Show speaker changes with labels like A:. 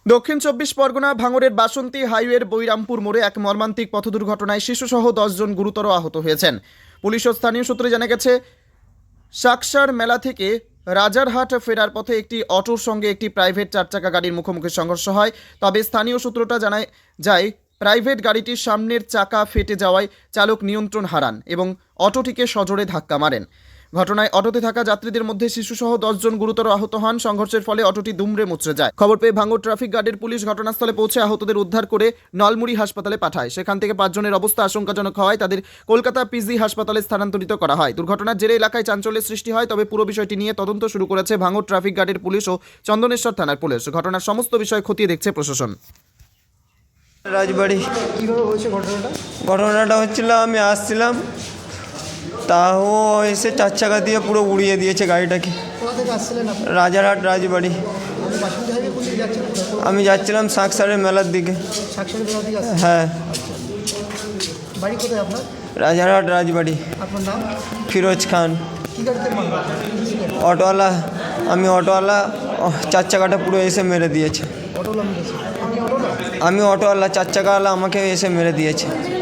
A: দক্ষিণ চব্বিশ পরগনা ভাঙড়ের বাসন্তী হাইওয়ের বৈরামপুর মোড়ে এক মর্মান্তিক পথ দুর্ঘটনায় শিশুসহ 10 জন গুরুতর আহত হয়েছেন। পুলিশ ও স্থানীয় সূত্রে জানা গেছে, সাকসার মেলা থেকে রাজারহাট ফেরার পথে একটি অটোর সঙ্গে একটি প্রাইভেট চারচাকা গাড়ির মুখোমুখি সংঘর্ষ হয়। তবে স্থানীয় সূত্রটা জানায় যায়, প্রাইভেট গাড়িটির সামনের চাকা ফেটে যাওয়ায় চালক নিয়ন্ত্রণ হারান এবং অটোটিকে সজোরে ধাক্কা মারেন। ঘটনায় অটোতে থাকা যাত্রীদের মধ্যে শিশুসহ 10 জন গুরুতর আহত হন। সংঘর্ষের ফলে অটোটি দুমড়ে মুচড়ে যায়। খবর পেয়ে ভাঙড় ট্রাফিক গার্ডের পুলিশ ঘটনাস্থলে পৌঁছে আহতদের উদ্ধার করে নলমুড়ি হাসপাতালে পাঠায়। সেখান থেকে 5 জনের অবস্থা আশঙ্কাজনক হওয়ায় তাদের কলকাতা পিজি হাসপাতালে স্থানান্তরিত করা হয়। দুর্ঘটনার জেরে এলাকায় চাঞ্চল্যের সৃষ্টি হয়। তবে পুরো বিষয়টি নিয়ে তদন্ত শুরু করেছে ভাঙড় ট্রাফিক গার্ডের পুলিশ ও চন্দনেশ্বর থানার পুলিশ। ঘটনার সমস্ত বিষয় খতিয়ে দেখছে প্রশাসন।
B: রাজবাড়ি
C: কীভাবে হয়েছে ঘটনাটা?
B: ঘটনাটা হচ্ছিল, আমি আসছিলাম, তাও এসে চার চাকা দিয়ে পুরো উড়িয়ে দিয়েছে গাড়িটাকে।
C: কোথা থেকে আসছিলেন আপনি?
B: রাজারহাট রাজবাড়ি।
C: আপনি বাসন্তী হাইওয়ে কোন দিকে যাচ্ছেন?
B: আমি যাচ্ছিলাম সাকসারের মেলার দিকে।
C: সাকসারি বেলা দিকে আসছেন?
B: হ্যাঁ,
C: বাড়ি কোথায় আপনার?
B: রাজারহাট রাজবাড়ি।
C: আপনার নাম?
B: ফিরোজ খান।
C: কী গাড়িতে মারলো?
B: অটোওয়ালা, আমি অটোওয়ালা, চার চাকাটা পুরো এসে মেরে দিয়েছে।
C: অটোওয়ালা মেরেছে? আপনি অটোওয়ালা?
B: আমি অটোওয়ালা, চার চাকাওয়ালা আমাকে এসে মেরে দিয়েছে।